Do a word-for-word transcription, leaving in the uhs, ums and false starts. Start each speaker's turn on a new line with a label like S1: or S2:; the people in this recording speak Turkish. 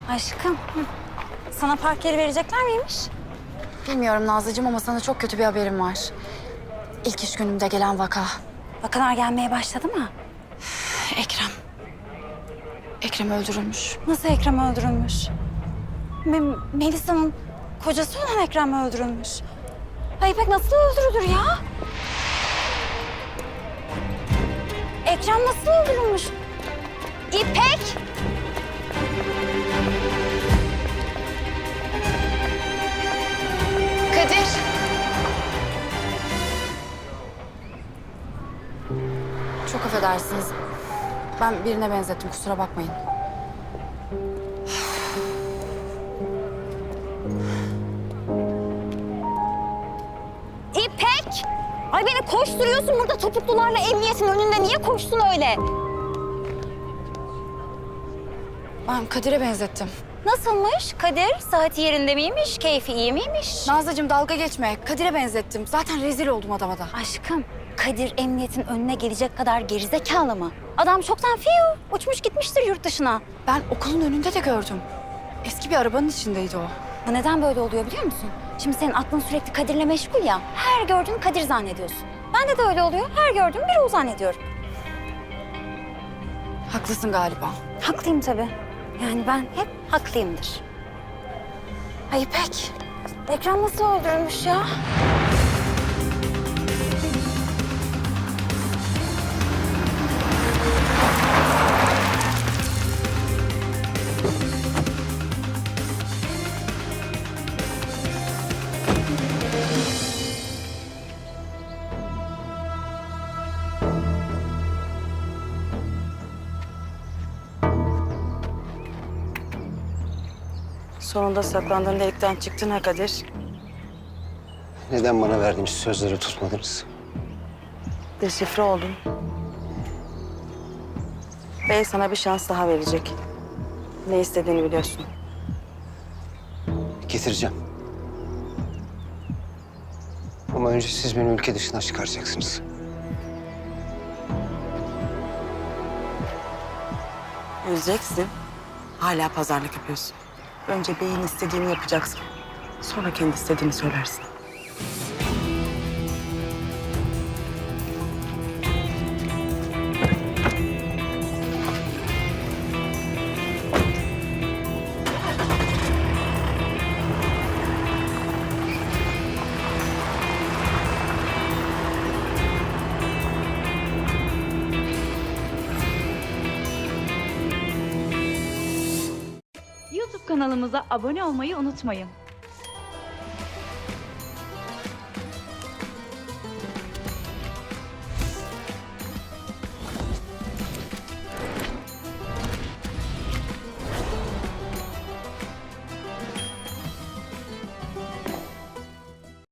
S1: Aşkım, hı. Sana park yeri verecekler miymiş?
S2: Bilmiyorum Nazlıcığım ama sana çok kötü bir haberim var. İlk iş günümde gelen vaka.
S1: Vakalar gelmeye başladı mı?
S2: Ekrem. Ekrem öldürülmüş.
S1: Nasıl Ekrem öldürülmüş? Me Melisa'nın kocası olan Ekrem öldürülmüş. Ay İpek nasıl öldürülür ya? Ekrem nasıl öldürülmüş? İpek!
S2: Kadir. Çok affedersiniz. Ben birine benzettim, kusura bakmayın.
S1: İpek! Ay beni koşturuyorsun burada topuklularla emniyetin önünde. Niye koştun öyle?
S2: Ben Kadir'e benzettim.
S1: Nasılmış Kadir? Saati yerinde miymiş? Keyfi iyi miymiş?
S2: Nazlıcığım dalga geçme. Kadir'e benzettim. Zaten rezil oldum adama da.
S1: Aşkım, Kadir emniyetin önüne gelecek kadar gerizekalı mı? Adam çoktan fiyo, uçmuş gitmiştir yurt dışına.
S2: Ben okulun önünde de gördüm. Eski bir arabanın içindeydi o.
S1: Bu neden böyle oluyor biliyor musun? Şimdi senin aklın sürekli Kadir'le meşgul ya. Her gördüğün Kadir zannediyorsun. Bende de öyle oluyor. Her gördüğüm biri o zannediyorum.
S2: Haklısın galiba.
S1: Haklıyım tabii. Yani ben hep haklıyımdır. Ay İpek, Ekrem nasıl öldürülmüş ya?
S3: Sonunda saklandığın delikten çıktın ha Kadir.
S4: Neden bana verdiğiniz sözleri tutmadınız?
S3: Deşifre oldun. Bey sana bir şans daha verecek. Ne istediğini biliyorsun.
S4: Getireceğim. Ama önce siz beni ülke dışına çıkaracaksınız.
S3: Üzeceksin. Hala pazarlık yapıyorsun. Önce beyin istediğini yapacaksın. Sonra kendi istediğini söylersin.
S5: YouTube kanalımıza abone olmayı unutmayın.